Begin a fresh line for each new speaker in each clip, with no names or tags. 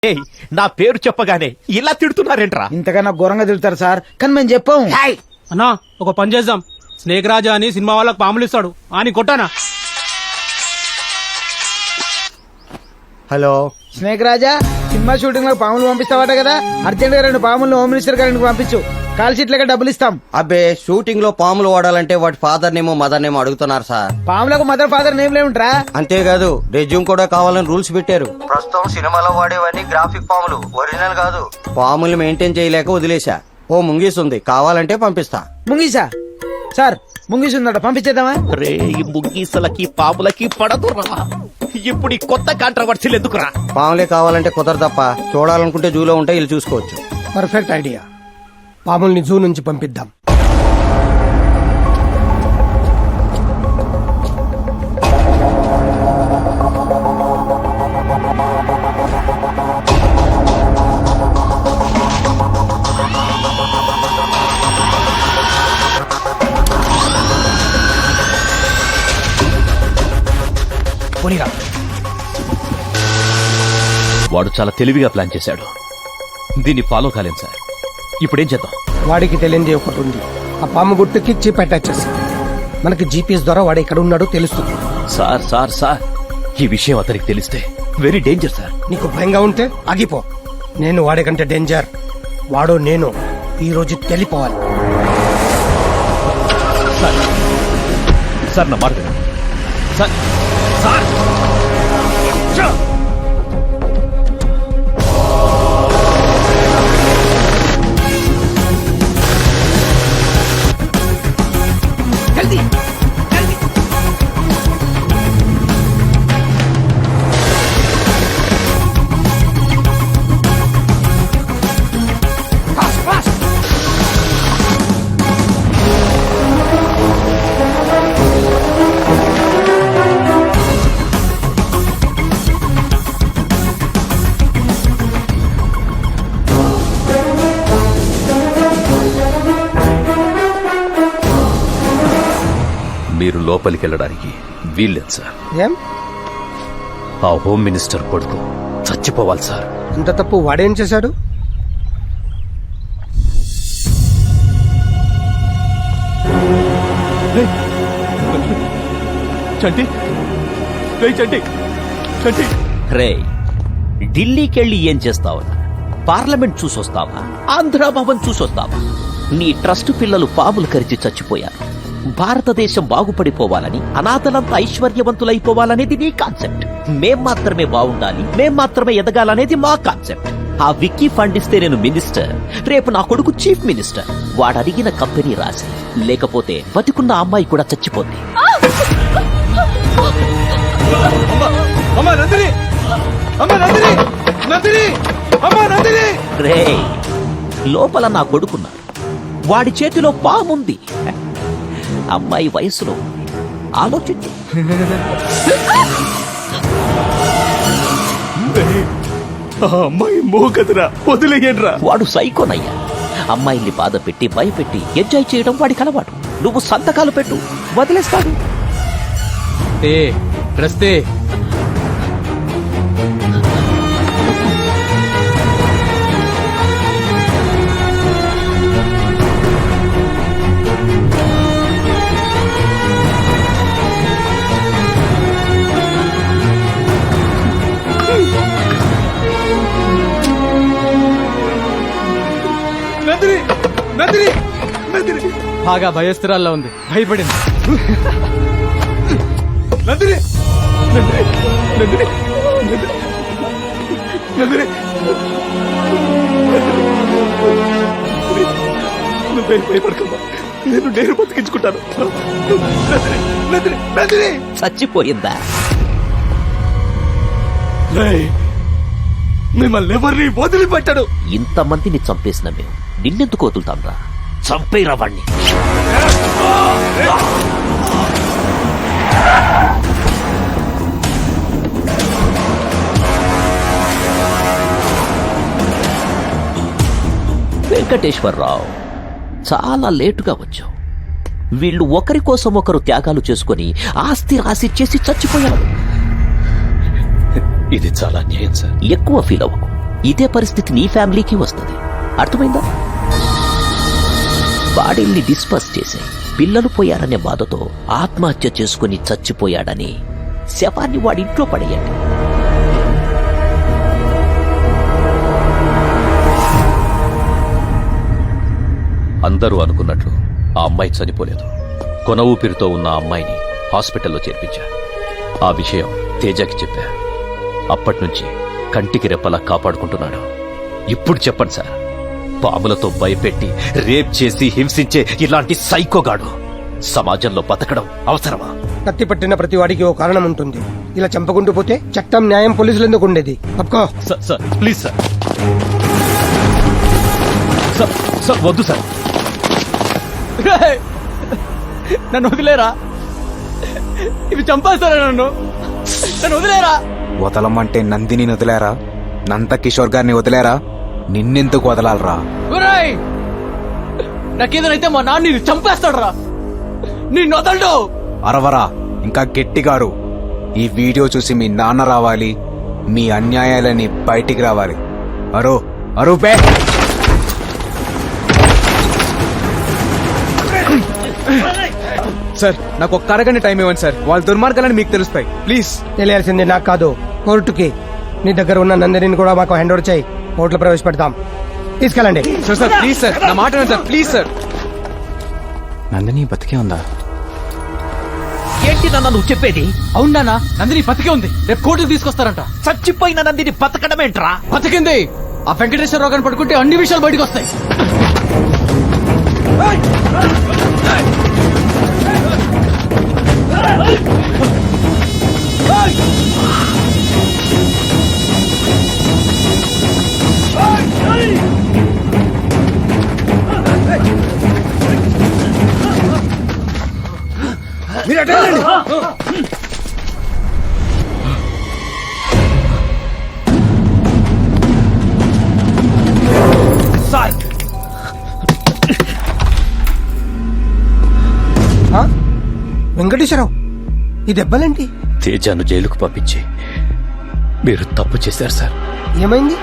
నా పేరు చెప్పగానే ఇలా తిడుతున్నారేంట్రా?
ఇంతకన్నా ఘోరంగా తిడతారు సార్, కానీ మేము చెప్పాం.
అన్నా ఒక పని చేద్దాం, స్నేక్ రాజా అని సినిమా వాళ్ళకి పాములు ఇస్తాడు అని కొట్టానా.
Hello
snake Raja, cinema shooting లో పాములు పంపిస్తావట కదా, అర్జెంట్ గా 2 పాములు హోమ్ మినిస్టర్ గారికి పంపించు, కాల్ షీట్ లెక్క డబ్బులు ఇస్తాం.
అబ్బే, షూటింగ్ లో పాములు వాడాలంటే వాటి ఫాదర్ నేమో మదర్ నేమో అడుగుతున్నారు సార్.
పాములకు మదర్ ఫాదర్ నేమ్ లేవుంట్రా?
అంతేకాదు రెజ్యూమ్ కూడా కావాలని రూల్స్ పెట్టారు. ప్రస్తుతం సినిమాలో వాడేవన్నీ గ్రాఫిక్ పాములు, ఒరిజినల్ కాదు. పాములు మెయింటైన్ చేయలేక వదిలేశా. ఓ ముంగీస్ ఉంది, కావాలంటే పంపిస్తా.
ముంగీసా? సార్ ముంగీస్ ఉందట, పంపించేద్దామా?
రే, ఈ ముగ్గీసలకి పాములకి పడదురా. ఇప్పుడు ఈ కొత్త కాంట్రవర్సీలు ఎందుకురా?
పాములే కావాలంటే కుదరదప్ప, చూడాలనుకుంటే జూలో ఉంటే వీళ్ళు చూసుకోవచ్చు.
పర్ఫెక్ట్ ఐడియా, పాముల్ని జూ నుంచి పంపిద్దాం.
వాడు చాలా తెలివిగా ప్లాన్ చేశాడు. దీన్ని ఫాలో కాలేం సార్. ఇప్పుడేం చేద్దాం?
వాడికి తెలియంది ఒకటి ఉంది, ఆ పాము గుర్తుకి చిప్ అటాచ్ చేస్తాం. మనకి జీపీఎస్ ద్వారా వాడు ఎక్కడ ఉన్నాడో తెలుస్తుంది.
సార్ సార్ సార్, ఈ విషయం అతనికి తెలిస్తే వెరీ డేంజర్ సార్.
నీకు భయంగా ఉంటే ఆగిపో. నేను వాడికంటే డేంజర్, వాడు నేను ఈ రోజు తెలిపోవాలి.
సార్ నా మాట వినండి. సార్ సార్ మీరు లోపలికి వెళ్ళడానికి వీల్లేదు సార్.
ఏం?
ఆ హోమ్ మినిస్టర్ కొడుకు చచ్చిపోవాలి సార్.
అంత తప్పు వాడేం చేశాడు?
చంటి, చంటి, చంటి. రే, ఢిల్లీకెళ్ళి ఏం చేస్తావు? పార్లమెంట్ చూసొస్తావా? ఆంధ్రాభవన్ చూసొస్తావా? నీ ట్రస్ట్ పిల్లలు పాములు కరిచి చచ్చిపోయారు. భారతదేశం బాగుపడిపోవాలని, అనాథలంతా ఐశ్వర్యవంతులైపోవాలనేది నీ కాన్సెప్ట్. మేం మాత్రమే బాగుండాలి, మేం మాత్రమే ఎదగాలనేది మా కాన్సెప్ట్. ఆ విక్కీ ఫండ్ ఇస్తే నేను మినిస్టర్, రేపు నా కొడుకు చీఫ్ మినిస్టర్. వాడు అడిగిన కంపెనీ రాసి, లేకపోతే బతికున్న అమ్మాయి కూడా చచ్చిపోద్ది. రే, లోపల నా కొడుకున్నాడు, వాడి చేతిలో పాముంది, అమ్మాయి వయసులో ఆలోచించు.
అమ్మాయి మోగదురా, వదిలేయండిరా.
వాడు సైకోనయ్యా. అమ్మాయిల్ని బాధ పెట్టి భయపెట్టి ఎంజాయ్ చేయడం వాడికి అలవాటు. నువ్వు సంతకాలు పెట్టు, వదిలేస్తాడు.
ప్రస్తే బాగా భయస్థిరాల్లో ఉంది, భయపడింది. నందిని, భయపడకమ్మా, నేను బతికించుకుంటాను.
చచ్చిపోయిందా?
మిమ్మల్ని ఎవరిని వదిలిపెట్టాడు.
ఇంతమందిని చంపేసిన మేము నిన్నెందుకు వదులుతాం రా? చంపేరా వాణ్ణి. వెంకటేశ్వరరావు, చాలా లేటుగా వచ్చావు. వీళ్ళు ఒకరి కోసం ఒకరు త్యాగాలు చేసుకుని ఆస్తి రాసిచ్చేసి చచ్చిపోయారు.
ఇది చాలా అన్యాయం సార్.
ఎక్కువ ఫీల్ అవ్వకు. ఇదే పరిస్థితి నీ ఫ్యామిలీకి వస్తుంది. అర్థమైందా? బాడీల్ని డిస్పర్స్ చేసి పిల్లలు పోయారనే బాధతో ఆత్మహత్య చేసుకుని చచ్చిపోయాడని శవాన్ని వాడి ఇంట్లో పడేయండి. అందరూ అనుకున్నట్లు ఆ అమ్మాయి చనిపోలేదు. కొన ఊపిరితో ఉన్న ఆ అమ్మాయిని హాస్పిటల్లో చేర్పించా. ఆ విషయం తేజకి చెప్పా. అప్పట్నుంచి కంటికి రెప్పలా కాపాడుకుంటున్నాడు. ఇప్పుడు చెప్పండి సార్, పాములతో భయపెట్టి రేప్ చేసి హింసించే ఇలాంటి సైకోగాడు సమాజంలో బతకడం అవసరమా?
కత్తి పట్టిన ప్రతి వాడికి ఓ కారణం ఉంటుంది. ఇలా చంపకుంటూ పోతే చట్టం, న్యాయం, పోలీసులు ఎందుకు ఉండేది? అప్పుకో.
సార్ ప్లీజ్ సార్, సార్ వద్దు సార్.
నన్ను వదిలేరా, ఇవి చంపేస్తారా నన్ను వదిలేరా.
వదలమంటే నందిని వదిలేరా? నంద కిషోర్ గారిని వదిలేరా? నిన్నెందుకు వదలాలరా?
నాకేదైతే మా నాన్న చంపేస్తాడు రా, నిన్ను వదలడు.
అరవరా, ఇంకా గట్టిగారు. ఈ వీడియో చూసి మీ నాన్న రావాలి, మీ అన్యాయాలని బయటికి రావాలి. అరో అరూపే. సార్, నాకు ఒక్క అరగంట టైం ఇవ్వండి సార్. వాళ్ళ దుర్మార్గాలని మీకు తెలుస్తాయి. ప్లీజ్.
తెలియాల్సింది నాకు కాదు, కోర్టుకి. నీ దగ్గర ఉన్న నందిని కూడా మాకు హ్యాండ్ ఓవర్ చేయి. కోర్టులో ప్రవేశపెడతాం. తీసుకెళ్ళండి.
సార్ ప్లీజ్ సార్, నా మాట వినండి సార్. Please sir. నందిని బతికే ఉందా?
ఏంటి నాన్న నువ్వు చెప్పేది?
అవునా, నందిని బతికే ఉంది. రేపు కోర్టుకు తీసుకొస్తారంట.
చచ్చిపోయిన నందిని బతకడమేంట్రా?
బతికింది. ఆ వెంకటేశ్వరరావు గారిని పట్టుకుంటే అన్ని విషయాలు బయటకు వస్తాయి.
మీరు అటు వెళ్ళండి.
సార్,
వెంకటేశ్వరరావు, ఈ దెబ్బలేంటి?
తేజాను జైలుకు పంపించి మీరు తప్పు చేశారు సార్.
ఏమైంది?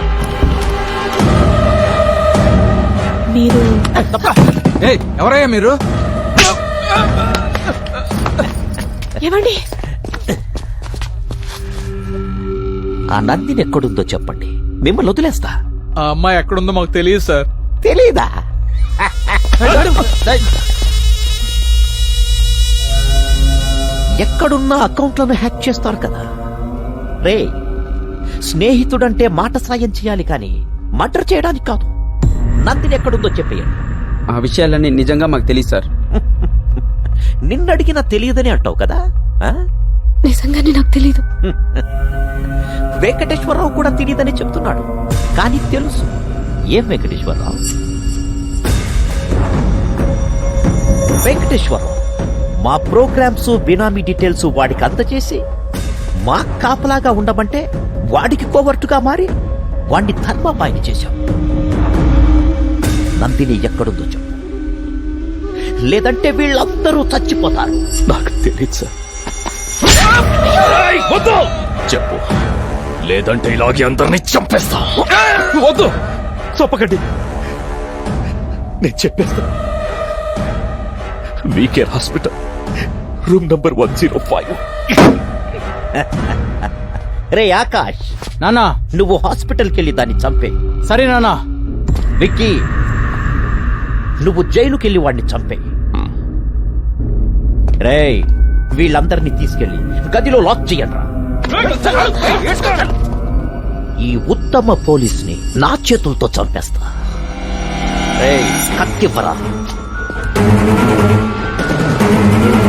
మీరు
ఎవరయ్యా మీరు?
ఏమండి?
ఆ నందిని ఎక్కడుందో చెప్పండి, మిమ్మల్ని వదిలేస్తా.
ఆ అమ్మాయి ఎక్కడుందో మాకు తెలియదు సార్.
తెలీదా? ఎక్కడున్నా అకౌంట్లను హ్యాక్ చేస్తారు కదా రే. స్నేహితుడంటే మాట సాయం చేయాలి కానీ మర్డర్ చేయడానికి కాదు. నందిని ఎక్కడుందో చెప్పేయండి.
ఆ విషయాలన్నీ నిజంగా మాకు తెలియదు సార్.
నిన్నడిగినా తెలియదని అంటావు కదా. ఆ?
నిజంగానే నాకు తెలీదు.
వెంకటేశ్వరరావు కూడా తెలియదని చెప్తున్నాడు, కానీ తెలుసు. ఏం వెంకటేశ్వరరావు? వెంకటేశ్వరరావు మా ప్రోగ్రామ్స్, బినామీ డీటెయిల్స్ వాడికి అందజేసి మా కాపలాగా ఉండమంటే వాడికి కోవర్టుగా మారి వాడిని ధర్మపాయని చేశాం. నందిని ఎక్కడుందో చెప్పు, లేదంటే వీళ్ళందరూ చచ్చిపోతారు.
నాకు తెలియదు సార్. చెప్పు, లేదంటే ఇలాగే అందరినీ చంపేస్తా.
వద్దు, చంపకండి.
నేను చెప్పేస్తా. V care hospital, room number 105.
రే ఆకాష్,
నానా
నువ్వు హాస్పిటల్కి వెళ్ళి దాన్ని చంపే.
సరే నానా.
విక్కీ, నువ్వు జైలుకెళ్ళి వాడిని చంపే. రేయ్, వీళ్ళందరినీ తీసుకెళ్లి గదిలో లాక్ చెయ్యండ్రా. ఈ ఉత్తమ పోలీస్ని నా చేతులతో చంపేస్తా. రేయ్, కత్తివ్వరా.